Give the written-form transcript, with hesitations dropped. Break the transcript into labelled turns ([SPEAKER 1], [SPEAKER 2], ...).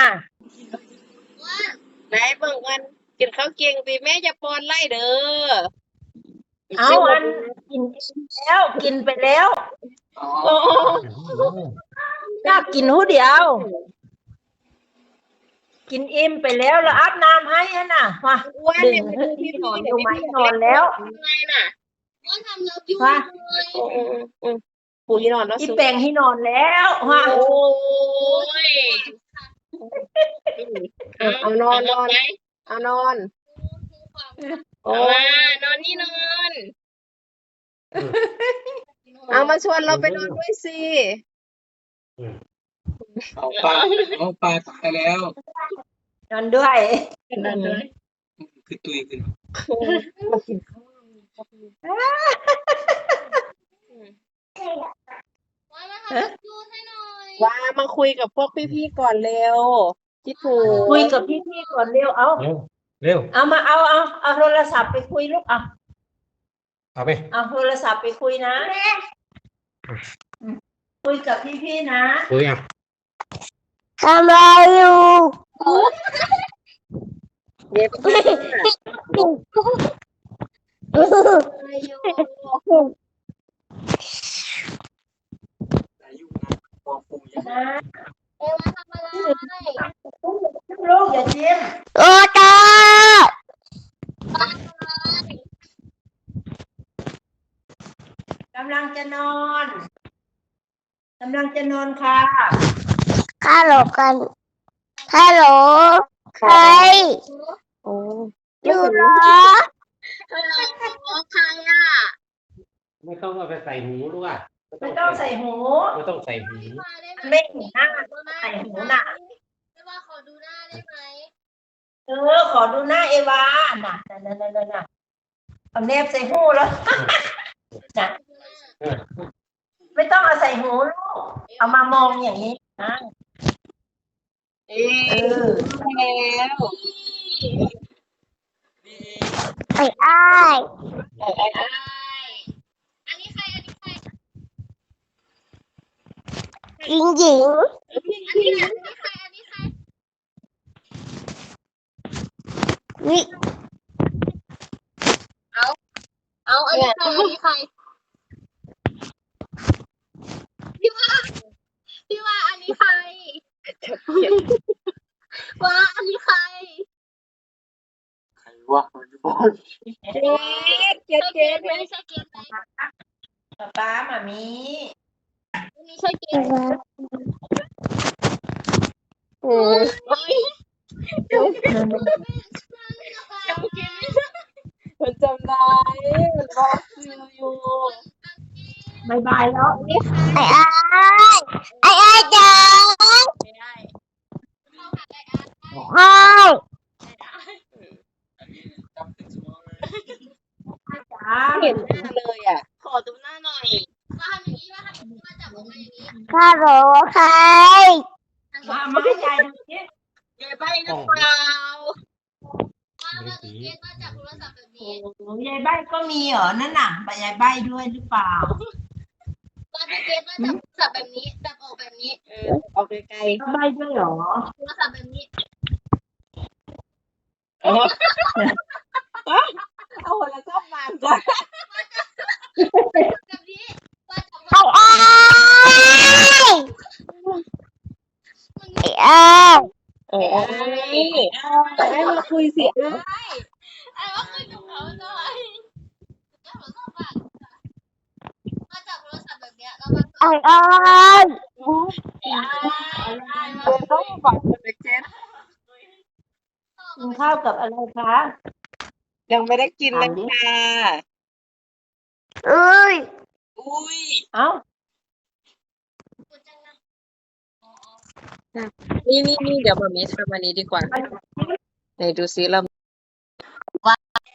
[SPEAKER 1] ไหนเบิ่งกันกินข้าวเกียงตีแม่จะปอนไล่เด้อ
[SPEAKER 2] เอาอันกินแล้วกินไปแล้ว
[SPEAKER 1] โอ้
[SPEAKER 2] อยากกินหูเดียว กินอิ่มไปแล้วแล้วอาบน้ำให้น่ะมาดึงที่นอนอยู่ไหมนอนแล้ว
[SPEAKER 1] ไงน่ะ
[SPEAKER 2] มา
[SPEAKER 1] ปูที่นอนแล้ว
[SPEAKER 2] อีแปลงให้นอนแล้วมา
[SPEAKER 1] โอ้ยเอานอนเอานอนโอ้นอนนี่นอนเอามาชวนเราไปนอนด้วยสิ
[SPEAKER 3] เอาปลาตายแล้ว
[SPEAKER 2] นอนด้วย
[SPEAKER 3] คือตุยขึ้น
[SPEAKER 1] มากินข้าวว่ามาคุยกับพวกพี่ๆก่อนเร็วคิดถูก
[SPEAKER 2] คุยกับพี่ๆก่อนเร็วเอาเอามาเอาโทรศัพท์ไปคุยลูก
[SPEAKER 3] เอาไป
[SPEAKER 2] เอาโทรศัพท์ไปคุยนะคุยกับพี่ๆนะ
[SPEAKER 3] คุยอ่ะ
[SPEAKER 2] ทำอะไรอยู่
[SPEAKER 1] เด็ก
[SPEAKER 2] ลูกอย่าจิ้ม
[SPEAKER 4] โอ้ตาก
[SPEAKER 2] ำลังจะนอนค่ะ
[SPEAKER 4] ฮัลโหลกันฮัลโหลใคร
[SPEAKER 1] โอ้
[SPEAKER 4] อยู่เหรอ
[SPEAKER 1] ใครอ่ะ
[SPEAKER 3] ไม่ต้องเอาไปใส่หูลูกอ่ะ
[SPEAKER 2] ไม่ต้องใส่หู
[SPEAKER 3] ไม่ต้องใส่หู
[SPEAKER 2] ไม่เห็นหน้าใส่หูน่ะ
[SPEAKER 1] ขอดูหน้าได้ไหม
[SPEAKER 2] ขอดูหน้าเอวาน่ะเอาแนบใส่หูแล้วน่ะไม่ต้องเอาใส่หูลูกเอามามองอย่างนี้นะ
[SPEAKER 1] แล้ว
[SPEAKER 4] ไอ้อ้าย
[SPEAKER 1] อันนี้ใคร
[SPEAKER 4] หญิงหญิง
[SPEAKER 1] อันนี้ใคร
[SPEAKER 4] วิ
[SPEAKER 1] เอาอันนี้ใครพี่ว่าอันนี้ใครว่าอันนี้ใคร
[SPEAKER 3] วะมันจะบอก
[SPEAKER 1] เจ๊ไม่ใช่เกม
[SPEAKER 2] ป้ามามี
[SPEAKER 1] ไม่ใช่เกมโอ้ยมันจำได้มันบอกชื่ออยู่
[SPEAKER 2] บายบายแล้ว
[SPEAKER 4] ไอ้อ้ายจังไอ้
[SPEAKER 1] เห็นหน้าเลยอ่ะขอดูหน้าหน่อยว่าทำอย่างนี้ว่าจับออกมาอย่างนี้
[SPEAKER 4] ฮัลโหลใคร
[SPEAKER 2] มาให้ยายดูสิ
[SPEAKER 1] ยายใบหรือเปล่าว่าเกมว่าจับโทรศัพท์แบบนี้
[SPEAKER 2] ยายใบก็มีเหรอนั่นน่ะยายใบด้วยหรือเปล่า
[SPEAKER 1] ว่าเกมว่าจับโทรศัพท์แบบนี้จับออกแบบนี้ออกไกล
[SPEAKER 2] ๆใบด้วยเหรอ
[SPEAKER 1] โทรศัพท์แบบนี้เอาแล้วก็มาก่อนแบบนี้ว่าจับ
[SPEAKER 4] ไอ้อ้าย
[SPEAKER 1] ให้มาคุยสิ
[SPEAKER 4] ว่า
[SPEAKER 1] คุยกับเขาหน่อยว่าจับโทรศัพท์แบบนี้แล้วมันต้องฝังเป็นเจ็ด
[SPEAKER 2] กินข้าวกับอะไรคะ
[SPEAKER 1] ยังไม่ได้กินเลยค่ะ
[SPEAKER 4] อุ้ย
[SPEAKER 2] เอ้า
[SPEAKER 1] นี่เดี๋ยวมามีทำอันนี้ดีกว่าไหนดูซิเราว่า